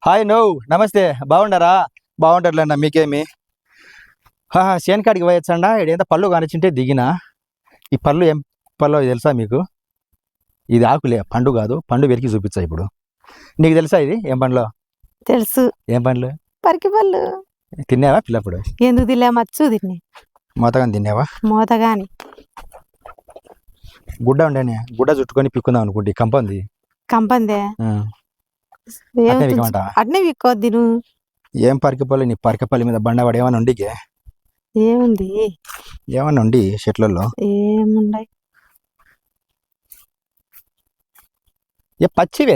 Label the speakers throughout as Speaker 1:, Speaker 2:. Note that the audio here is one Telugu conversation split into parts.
Speaker 1: హాయ్ నమస్తే బాగుండారా? బాగుంటారులేండి మీకేమి. చేను కాడికి పోయొచ్చండా. ఇదేంత పళ్ళు కానిచ్చింటే దిగిన. ఈ పళ్ళు ఏం పళ్ళు తెలుసా మీకు? ఇది ఆకులే, పండు కాదు. పండు వెరికి చూపించా ఇప్పుడు. నీకు తెలుసా ఇది ఏం పండ్లో?
Speaker 2: తెలుసు.
Speaker 1: ఏం పండ్లు?
Speaker 2: పరికి పళ్ళు.
Speaker 1: తిన్నావా పిల్లప్పుడు?
Speaker 2: ఎందుకు తిన్నా? మచ్చు తిన్నా.
Speaker 1: మోతగాని తిన్నావా?
Speaker 2: మోతగాని.
Speaker 1: గుడ్డ ఉండేనే, గుడ్డ చుట్టుకొని పిక్కుందాం అనుకుంటే కంపంది.
Speaker 2: కంపందే అట్నే విక్కోద్ది నువ్వు.
Speaker 1: ఏం పరికపల్లి? నీ పరికపల్లి మీద బండవాడు ఏమన్నా ఉండికే?
Speaker 2: ఏముంది?
Speaker 1: ఏమన్నా ఉండి చెట్లలో?
Speaker 2: ఏముండయి.
Speaker 1: ఏ పచ్చివే,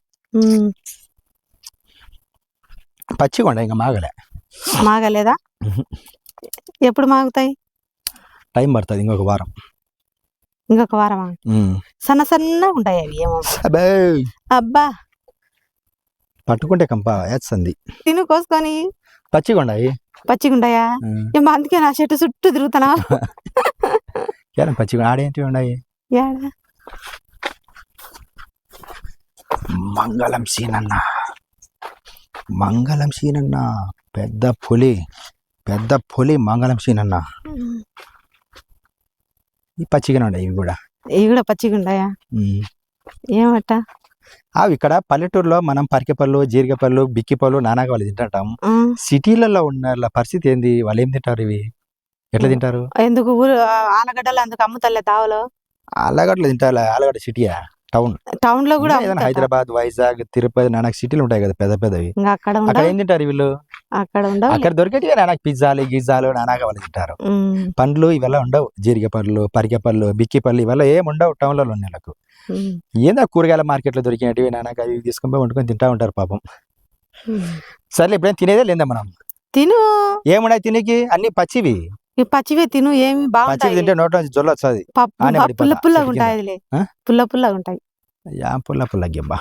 Speaker 1: పచ్చిగా ఉండ. ఇంకా మాగలే.
Speaker 2: మాగలేదా? ఎప్పుడు మాగుతాయి?
Speaker 1: టైం పడుతుంది, ఇంకొక వారం.
Speaker 2: ఇంకొక వారమా? సన్న సన్నగా ఉంటాయి అవి. ఏమో అబ్బా,
Speaker 1: పట్టుకుంటే కంప వేస్తుంది.
Speaker 2: తిను కోసుకొని.
Speaker 1: పచ్చిగా ఉన్నాయి.
Speaker 2: పచ్చిగా ఉంటాయా? అందుకే నా చెట్టు చుట్టూ తిరుగుతానా.
Speaker 1: పచ్చిగా ఆడేంటి ఉన్నాయి? మంగళం సీనన్న, మంగళం సీనన్న, పెద్ద పులి, పెద్ద పులి మంగళం సీనన్న. ఈ పచ్చిగానే ఉన్నాయి ఇవి కూడా.
Speaker 2: ఇవి కూడా పచ్చిగా ఉన్నాయా? ఏమట
Speaker 1: అవి ఇక్కడ పల్లెటూరులో మనం పరికెపళ్ళు, జీరికపళ్ళు, బిక్కిపళ్ళు, నానాక వాళ్ళు తింటాం. సిటీలలో ఉన్న పరిస్థితి ఏంది? వాళ్ళు ఏం తింటారు? ఇవి ఎట్లా తింటారు?
Speaker 2: ఎందుకు ఆలగడ్డలు అందుకు అమ్ముతలే తావలో?
Speaker 1: ఆలగడ్డలు తింటారు. ఆలగడ్డ సిటీయా?
Speaker 2: టౌన్ లో కూడా
Speaker 1: హైదరాబాద్, వైజాగ్, తిరుపతి, నానాక సిటీలు ఉంటాయి కదా పెద్ద పెద్దవి. అక్కడ ఏం తింటారు వీళ్ళు? అక్కడ దొరికేటివి నానాక పిజ్జాలు, గిజ్జాలు, నానాక వాళ్ళు తింటారు. పండ్లు ఇవల్ల ఉండవు. జీరిక పళ్ళు, పరికె పళ్ళు, బిక్కి పళ్ళు ఇవల్ల ఏం ఉండవు టౌన్లలో ఉన్న వాళ్ళకు. ఏందా కూరగాయల మార్కెట్లో దొరికినవి నానాక అవి తీసుకొని వండుకొని తింటా ఉంటారు పాపం. సర్లే, ఇప్పుడేం తినేదే లేదా మనం?
Speaker 2: తిను.
Speaker 1: ఏమున్నాయి తినేకి? అన్ని పచ్చివి.
Speaker 2: పచ్చివే తిను. ఏమి
Speaker 1: పచ్చివి తింటే నోట్లో నుంచి జొల్ల వస్తుంది.
Speaker 2: పుల్ల పుల్లగా ఉంటాయి. పుల్ల పుల్లగా ఉంటాయి.
Speaker 1: పుల్ల పుల్ల గిబ్బా.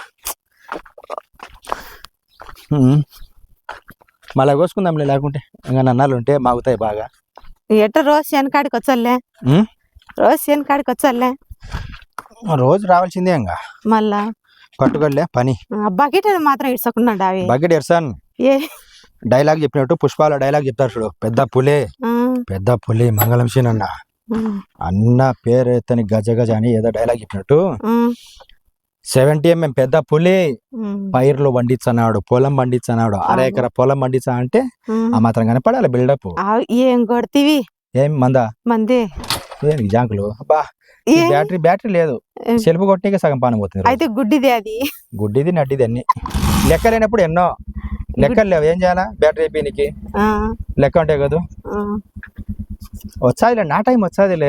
Speaker 1: మళ్ళా కోసుకుందాంలే, లేకుంటే ఇంకా నన్నాలు ఉంటే మాగుతాయి బాగా.
Speaker 2: ఎట్ట రోజు శనకాడికి వచ్చాలే? రోజు శనకాడికి వచ్చాలే?
Speaker 1: రోజు రావాల్సిందే. ఇంకా
Speaker 2: మళ్ళా
Speaker 1: పట్టుకోలే పని.
Speaker 2: బకెట్ మాత్రం ఇడ్సకుండా
Speaker 1: బకెట్ ఎర్సాన్. డైలాగ్ చెప్పినట్టు పుష్పాల డైలాగ్ చెప్తారు చూడు. పెద్ద పులే, పెద్ద పులి మంగళం సీనన్న అన్న పేరు ఎత్తని గజ గజ అని ఏదో డైలాగ్ చెప్పినట్టు 70 mm పెద్ద పులి పైర్లు పండించన్నాడు, పొలం పండించన్నాడు. 1/2 ఎకరా పొలం పండించా అంటే ఆ మాత్రం కనపడాలి బిల్డప్.
Speaker 2: ఏం కొడుతీవి?
Speaker 1: ఏం మందే జాంకులు. అబ్బా, బ్యాటరీ లేదు. సెల్ఫ్ కొట్టికే సగం పానం పోతుంది.
Speaker 2: అయితే గుడ్డిది. అది
Speaker 1: గుడ్డిది నడ్డిది అన్ని లెక్కలేనప్పుడు ఎన్నో లెక్కలు లేవు. ఏం చేయాలా? బ్యాటరీ అయిపోయినకి లెక్క ఉంటాయి కదా. వచ్చాదిలే, నా టైం వచ్చాదిలే.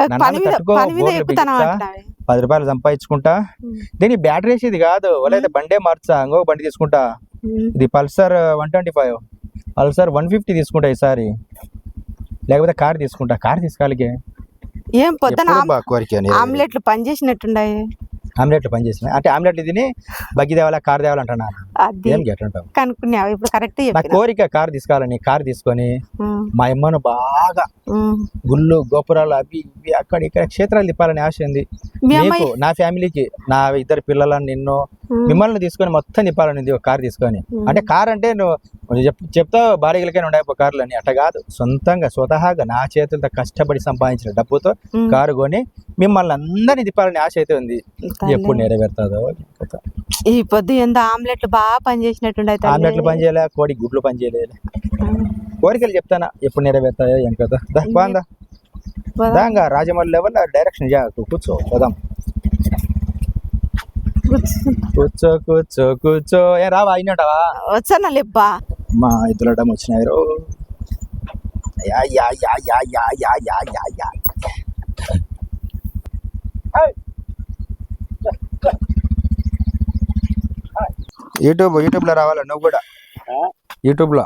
Speaker 1: 10 రూపాయలు సంపాదించుకుంటా. దీని బ్యాటరీ వేసేది కాదు. వాళ్ళైతే బండే మార్చా, ఇంకొక బండి తీసుకుంటా. ఇది పల్సర్ 125, పల్సర్ 150 తీసుకుంటా ఈసారి. లేకపోతే కార్ తీసుకుంటా. కార్ తీసుకోవాలికే.
Speaker 2: ఏం పొద్దున ఆమ్లెట్లు పని చేసినట్టున్నాయి.
Speaker 1: ఆమ్లెట్లు పని చేసిన అంటే ఆమ్లెట్లు తిని బగ్గి తేవాలా, కార్ తేవాలంటున్నా. ఏం గెట్లుంటావు
Speaker 2: కనుక్కున్నావు ఇప్పుడు కరెక్ట్.
Speaker 1: నా కోరిక కార్ తీసుకోవాలని. కార్ తీసుకొని మా అమ్మను బాగా గుళ్ళు, గోపురాలు అవి ఇవి అక్కడ ఇక్కడ క్షేత్రాలు తిప్పాలని ఆశ ఉంది. మీకు, నా ఫ్యామిలీకి, నా 2 పిల్లలని, నిన్ను, మిమ్మల్ని తీసుకొని మొత్తం తిప్పాలని ఉంది ఒక కార్ తీసుకొని. అంటే కార్ అంటే నువ్వు చెప్తావు బాడీలకైనా ఉండే కార్లు అని. అట్లా కాదు, స్వతహాగా నా చేతులతో కష్టపడి సంపాదించిన డబ్బుతో కారు కొని మిమ్మల్ని అందరినీ తిప్పాలని ఆశ అయితే ఉంది. ఎప్పుడు నెరవేరుతుందో.
Speaker 2: ఈ పొద్దు ఎంత ఆమ్లెట్లు బాగా పని చేసినట్టుండే.
Speaker 1: ఆమ్లెట్లు పని చేయలే, కోడి గుడ్లు పని చేయలేదు. కోరికలు చెప్తానా ఎప్పుడు నెరవేరుతాయో ఏం కదా. బాగుందా? దాంగా రాజమౌళి లెవెల్ డైరెక్షన్ కూర్చో పోదాం. కూర్చో కూర్చో కూర్చో. ఏ రావా? అయినటావా?
Speaker 2: వచ్చానా లేబ్బా.
Speaker 1: మా ఇద్దరు వచ్చినాయి. యూట్యూబ్లో రావాలా నువ్వు కూడా? యూట్యూబ్లో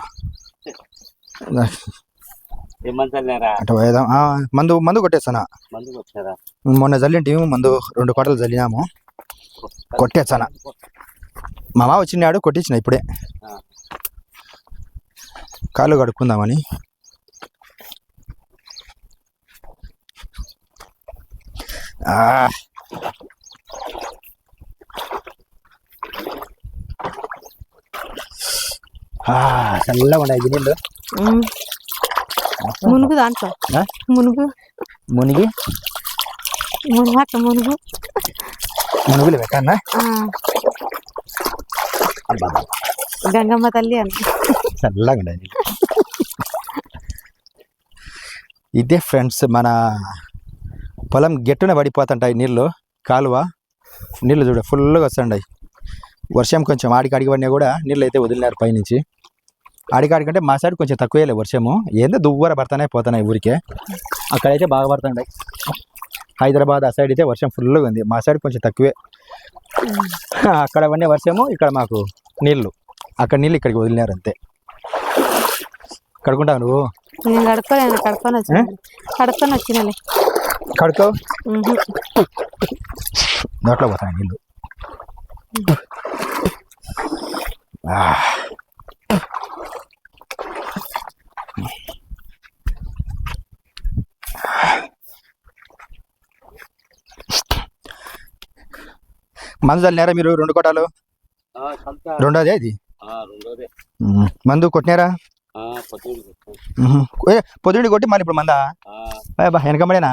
Speaker 1: అటు పోయేదాం. మందు కొట్టేస్తానా? మొన్న జల్లింటి మందు 2 కోటలు జల్లినాము. కొట్టేస్తానా? మా మామ వచ్చినాడు, కొట్టించిన ఇప్పుడే. కాళ్ళు కడుక్కుందామని. చల్లగా ఉన్నాయి నీళ్ళు.
Speaker 2: మునుగు దాంట్లో
Speaker 1: ఆ?
Speaker 2: మునుగు
Speaker 1: మునిగి
Speaker 2: అట్లా మునుగు.
Speaker 1: మునుగులు పెట్టన్నా.
Speaker 2: గంగమ్మ తల్లి అని
Speaker 1: చల్లగా ఉన్నాయి నీళ్ళు. ఇదే ఫ్రెండ్స్ మన పొలం గెట్టున పడిపోతుంటాయి నీళ్ళు. కాలువ నీళ్ళు చూడ ఫుల్గా వస్తుంటాయి. వర్షం కొంచెం ఆడికాడికి పడినా కూడా నీళ్ళు అయితే వదిలినారు పైనుంచి. ఆడికాడికంటే మా సైడ్ కొంచెం తక్కువేలే వర్షము. ఏందో దువ్వర పడుతున్నాయి పోతున్నాయి ఊరికే. అక్కడైతే బాగా పడుతున్నాయి. హైదరాబాద్ ఆ సైడ్ అయితే వర్షం ఫుల్గా ఉంది. మా సైడ్ కొంచెం తక్కువే. అక్కడ పడిన వర్షము ఇక్కడ మాకు నీళ్ళు. అక్కడ నీళ్ళు ఇక్కడికి వదిలినారు అంతే. కడుకుంటావు నువ్వు?
Speaker 2: నేను కడుక్కొని వచ్చినలే.
Speaker 1: కడుకో నోట్లో పోతాయి నీళ్ళు. మందు చల్లినారా మీరు 2 కొట్టాలు? రెండోదే ఇది. మందు కొట్టినారా? పొద్దుడి కొట్టి మళ్ళీ ఇప్పుడు మందా వెనకబడేనా?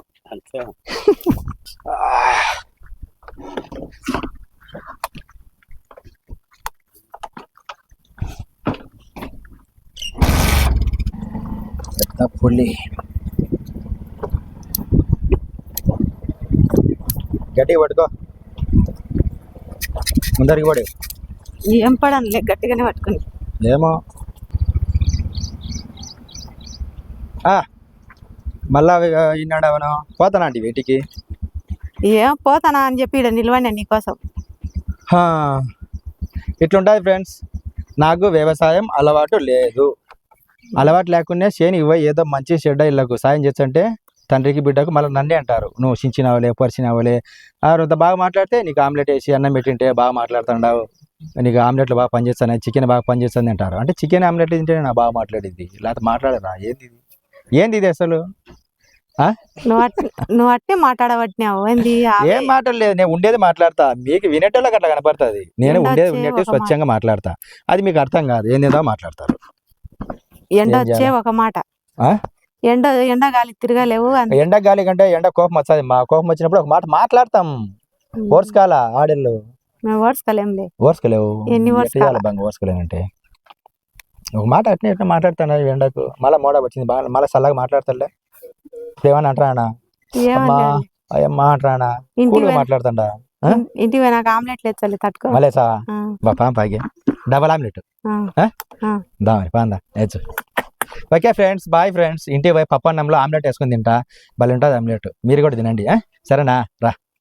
Speaker 1: పుల్లి గట్టిగా పట్టుకో. ముందరికి పడే.
Speaker 2: ఏం పడనులే, గట్టిగానే పట్టుకుని.
Speaker 1: ఏమో మళ్ళా ఈనాడు అవను పోతానా అండి వేటికి?
Speaker 2: ఏం పోతానా అని చెప్పి ఇక్కడ నిలవండి నీకోసం.
Speaker 1: ఇట్లుంటుంది ఫ్రెండ్స్. నాకు వ్యవసాయం అలవాటు లేదు. అలవాటు లేకుండా చేని ఏదో మంచి చెడ్డ ఇళ్ళకు సాయం చేస్తుంటే తండ్రికి బిడ్డకు మళ్ళీ నన్నే అంటారు, నువ్వు చించినవలే పరిచినవలే. అంత బాగా మాట్లాడితే నీకు ఆమ్లెట్ వేసి అన్నం పెట్టింటే బాగా మాట్లాడుతున్నావు, నీకు ఆమ్లెట్లు బాగా పనిచేస్తాను, చికెన్ బాగా పనిచేస్తుంది అంటారు. అంటే చికెన్ ఆమ్లెట్ తింటే నా బాగా మాట్లాడింది, లేకపోతే మాట్లాడరా? ఏంది ఇది అసలు?
Speaker 2: నువ్వు అట్టే మాట్లాడబట్టినావు.
Speaker 1: ఏం మాట్లాడలేదు, నేను ఉండేది మాట్లాడతా. మీకు వినేటోళ్ళకి అట్లా కనపడుతుంది. నేను ఉండేది ఉన్నట్టు స్వచ్ఛంగా మాట్లాడతా. అది మీకు అర్థం కాదు, ఏందేదో మాట్లాడతారు.
Speaker 2: ఎండ వచ్చే ఒక మాట, ఎండ గాలి తిరగలేవు.
Speaker 1: ఎండ గాలి కంటే ఎండ కోపం వస్తుంది. మా కోపం వచ్చినప్పుడు ఒక మాట మాట్లాడతాం. ఓర్చుకోవాలా ఆడళ్ళు? ఓర్చుకోలేవు. ఓర్చుకోలేనంటే ఒక మాట అట్నే ఎట్లా మాట్లాడతాను ఎండకు. మళ్ళీ మోడ వచ్చింది బాగా, మళ్ళీ చల్లగా మాట్లాడతాలే. ఏమని అంటారా? అమ్మా అంటారా? మాట్లాడుతుండా?
Speaker 2: ఇంటికి నాకు ఆమ్లెట్ లేదు తట్టుకో.
Speaker 1: మళ్ళీ పాగే డబల్ ఆమ్లెట్ దా మరి పాందా నేర్చు. Okay friends, bye friends. ఇంటికి పోయి పప్పన్నంలో ఆమ్లెట్ వేసుకుని తింటా, భలే ఉంటుంది ఆమ్లెట్. మీరు కూడా తినండి, సరేనా? రా.